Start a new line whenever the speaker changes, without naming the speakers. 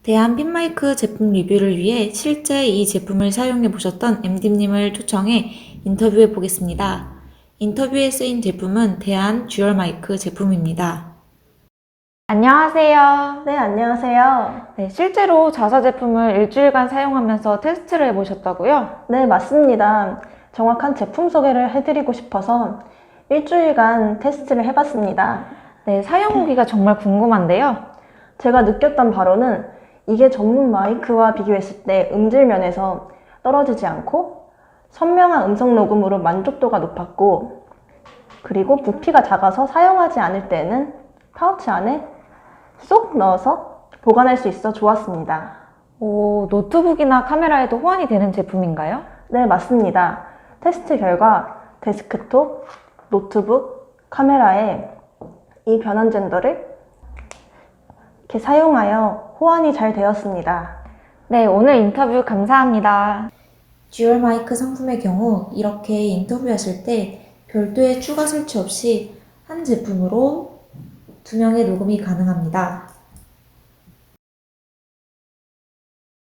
대한 핀마이크 제품 리뷰를 위해 실제 이 제품을 사용해 보셨던 MD님을 초청해 인터뷰해 보겠습니다. 인터뷰에 쓰인 제품은 대한 듀얼 마이크 제품입니다. 안녕하세요.
네, 안녕하세요.
네, 실제로 자사 제품을 일주일간 사용하면서 테스트를 해보셨다고요?
네, 맞습니다. 정확한 제품 소개를 해드리고 싶어서 일주일간 테스트를 해봤습니다.
네, 사용 후기가 정말 궁금한데요.
제가 느꼈던 바로는 이게 전문 마이크와 비교했을 때 음질 면에서 떨어지지 않고 선명한 음성 녹음으로 만족도가 높았고, 그리고 부피가 작아서 사용하지 않을 때는 파우치 안에 쏙 넣어서 보관할 수 있어 좋았습니다.
오, 노트북이나 카메라에도 호환이 되는 제품인가요?
네, 맞습니다. 테스트 결과 데스크톱, 노트북, 카메라에 이 변환 젠더를 이렇게 사용하여 호환이 잘 되었습니다.
네, 오늘 인터뷰 감사합니다. 듀얼 마이크 상품의 경우 이렇게 인터뷰하실 때 별도의 추가 설치 없이 한 제품으로 2명의 녹음이 가능합니다.